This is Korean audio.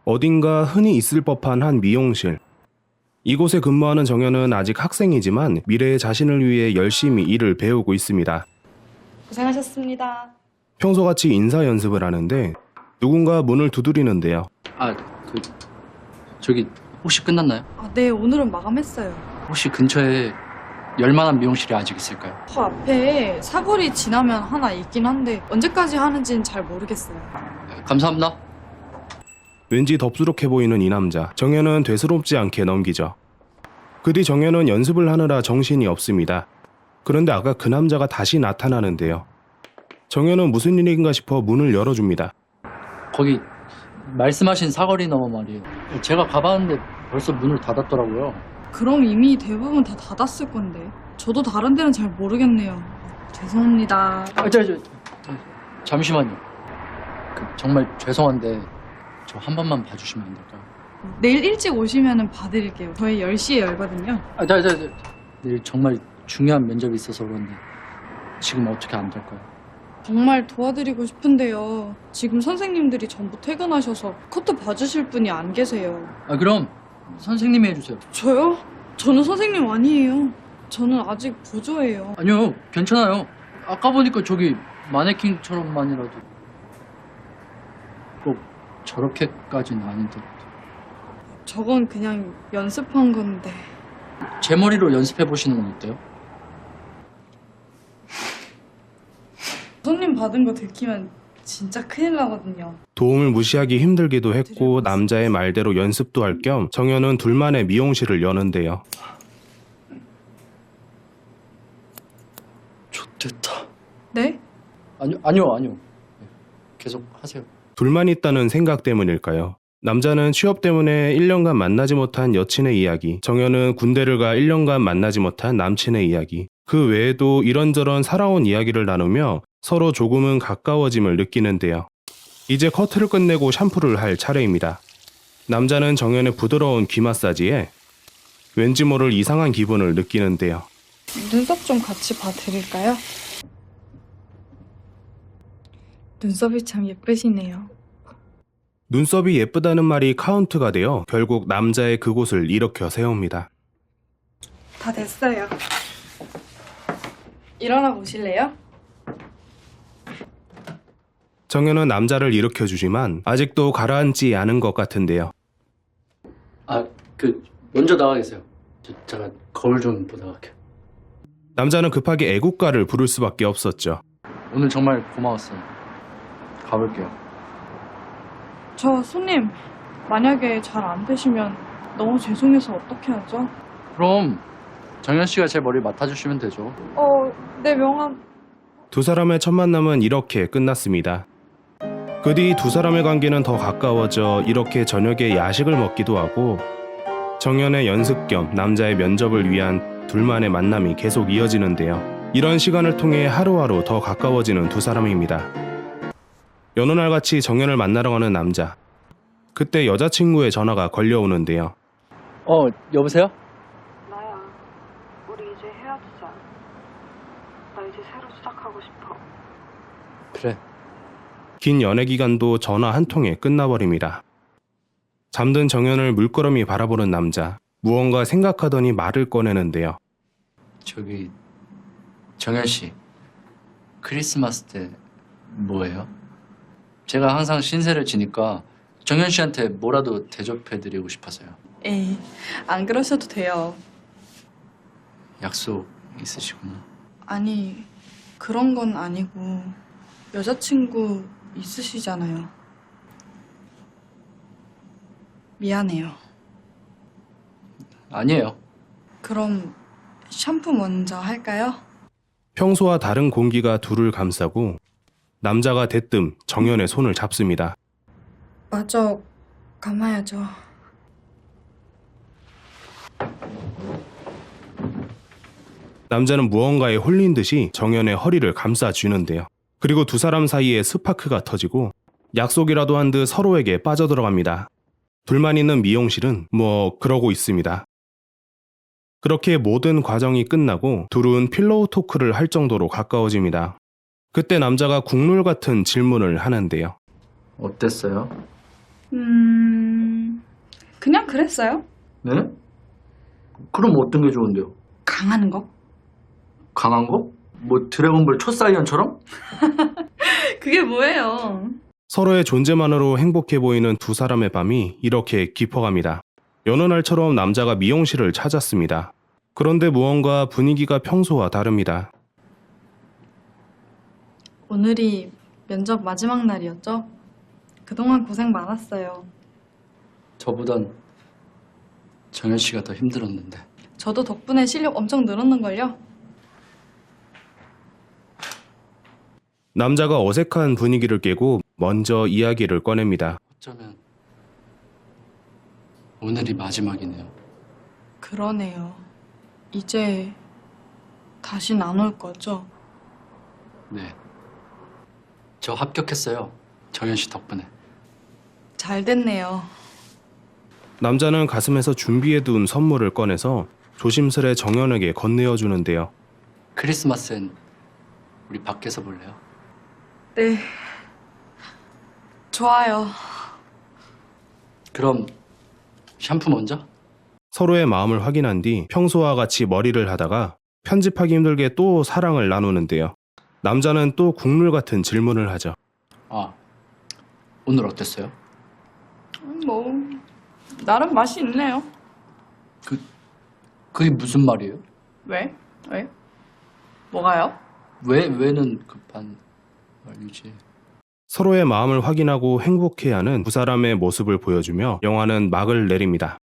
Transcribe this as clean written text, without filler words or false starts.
어딘가 흔히 있을 법한 한 미용실. 이곳에 근무하는 정현은 아직 학생이지만 미래의 자신을 위해 열심히 일을 배우고 있습니다. 고생하셨습니다. 평소같이 인사 연습을 하는데 누군가 문을 두드리는데요. 저기 혹시 끝났나요? 네, 오늘은 마감했어요. 혹시 근처에 열만한 미용실이 아직 있을까요? 저 앞에 사거리 지나면 하나 있긴 한데 언제까지 하는지는 잘 모르겠어요. 네, 감사합니다. 왠지 덥수룩해 보이는 이 남자. 정현은 되스럽지 않게 넘기죠. 그 뒤 정현은 연습을 하느라 정신이 없습니다. 그런데 아까 그 남자가 다시 나타나는데요. 정현은 무슨 일인가 싶어 문을 열어줍니다. 거기 말씀하신 사거리 너머 말이에요. 제가 가봤는데 벌써 문을 닫았더라고요. 그럼 이미 대부분 다 닫았을 건데. 저도 다른 데는 잘 모르겠네요. 죄송합니다. 잠시만요. 정말 죄송한데 저 한 번만 봐주시면 안 될까요? 내일 일찍 오시면 봐드릴게요. 저희 10시에 열거든요. 내일 정말 중요한 면접이 있어서 그런데 지금 어떻게 안 될까요? 정말 도와드리고 싶은데요. 지금 선생님들이 전부 퇴근하셔서 커트 봐주실 분이 안 계세요. 그럼 선생님이 해주세요. 저요? 저는 선생님 아니에요. 저는 아직 보조예요. 아니요, 괜찮아요. 아까 보니까 저기 마네킹처럼만이라도 꼭 저렇게까지는 아닌데. 저건 그냥 연습한 건데. 제 머리로 연습해 보시는 건 어때요? 손님 받은 거 들키면 진짜 큰일 나거든요. 도움을 무시하기 힘들기도 했고 남자의 말대로 연습도 할 겸 정현은 둘만의 미용실을 여는데요. 좋됐다. 네? 아니요. 계속 하세요. 둘만 있다는 생각 때문일까요? 남자는 취업 때문에 1년간 만나지 못한 여친의 이야기, 정현은 군대를 가 1년간 만나지 못한 남친의 이야기, 그 외에도 이런저런 살아온 이야기를 나누며 서로 조금은 가까워짐을 느끼는데요. 이제 커트를 끝내고 샴푸를 할 차례입니다. 남자는 정현의 부드러운 귀 마사지에 왠지 모를 이상한 기분을 느끼는데요. 눈썹 좀 같이 봐드릴까요? 눈썹이 참 예쁘시네요. 눈썹이 예쁘다는 말이 카운트가 되어 결국 남자의 그곳을 일으켜 세웁니다. 다 됐어요. 일어나 보실래요? 정현은 남자를 일으켜주지만 아직도 가라앉지 않은 것 같은데요. 먼저 나가 계세요. 제가 거울 좀 보다 갈게요. 남자는 급하게 애국가를 부를 수밖에 없었죠. 오늘 정말 고마웠어요. 가볼게요. 저 손님, 만약에 잘 안 되시면 너무 죄송해서 어떻게 하죠? 그럼 정현 씨가 제 머리 맡아주시면 되죠. 네, 명함. 두 사람의 첫 만남은 이렇게 끝났습니다. 그 뒤 두 사람의 관계는 더 가까워져 이렇게 저녁에 야식을 먹기도 하고 정현의 연습 겸 남자의 면접을 위한 둘만의 만남이 계속 이어지는데요. 이런 시간을 통해 하루하루 더 가까워지는 두 사람입니다. 여느 날같이 정현을 만나러 가는 남자. 그때 여자친구의 전화가 걸려오는데요. 여보세요? 나야. 우리 이제 헤어지자. 나 이제 새로 시작하고 싶어. 그래. 긴 연애 기간도 전화 한 통에 끝나버립니다. 잠든 정현을 물끄러미 바라보는 남자. 무언가 생각하더니 말을 꺼내는데요. 저기 정현 씨, 크리스마스 때 뭐예요? 제가 항상 신세를 지니까 정현 씨한테 뭐라도 대접해드리고 싶어서요. 에이, 안 그러셔도 돼요. 약속 있으시구나. 아니, 그런 건 아니고 여자친구 있으시잖아요. 미안해요. 아니에요. 그럼 샴푸 먼저 할까요? 평소와 다른 공기가 둘을 감싸고 남자가 대뜸 정현의 손을 잡습니다. 마저 감아야죠. 남자는 무언가에 홀린 듯이 정현의 허리를 감싸쥐는데요. 그리고 두 사람 사이에 스파크가 터지고 약속이라도 한 듯 서로에게 빠져들어갑니다. 둘만 있는 미용실은 그러고 있습니다. 그렇게 모든 과정이 끝나고 둘은 필로우 토크를 할 정도로 가까워집니다. 그때 남자가 국룰 같은 질문을 하는데요. 어땠어요? 그냥 그랬어요. 네? 그럼 어떤 게 좋은데요? 강한 거? 강한 거? 뭐 드래곤볼 초사이언처럼? 그게 뭐예요? 서로의 존재만으로 행복해 보이는 두 사람의 밤이 이렇게 깊어갑니다. 여느 날처럼 남자가 미용실을 찾았습니다. 그런데 무언가 분위기가 평소와 다릅니다. 오늘이 면접 마지막 날이었죠? 그동안 고생 많았어요. 저보단 정현 씨가 더 힘들었는데. 저도 덕분에 실력 엄청 늘었는걸요? 남자가 어색한 분위기를 깨고 먼저 이야기를 꺼냅니다. 어쩌면 오늘이 마지막이네요. 그러네요. 이제 다신 안 올 거죠? 네. 저 합격했어요. 정현 씨 덕분에. 잘 됐네요. 남자는 가슴에서 준비해둔 선물을 꺼내서 조심스레 정연에게 건네어 주는데요. 크리스마스엔 우리 밖에서 볼래요? 네. 좋아요. 그럼 샴푸 먼저? 서로의 마음을 확인한 뒤 평소와 같이 머리를 하다가 편집하기 힘들게 또 사랑을 나누는데요. 남자는 또 국룰 같은 질문을 하죠. 아, 오늘 어땠어요? 뭐 나름 맛이 있네요. 그게 무슨 말이에요? 왜? 왜? 뭐가요? 왜는 급한 말이지. 서로의 마음을 확인하고 행복해하는 두 사람의 모습을 보여주며 영화는 막을 내립니다.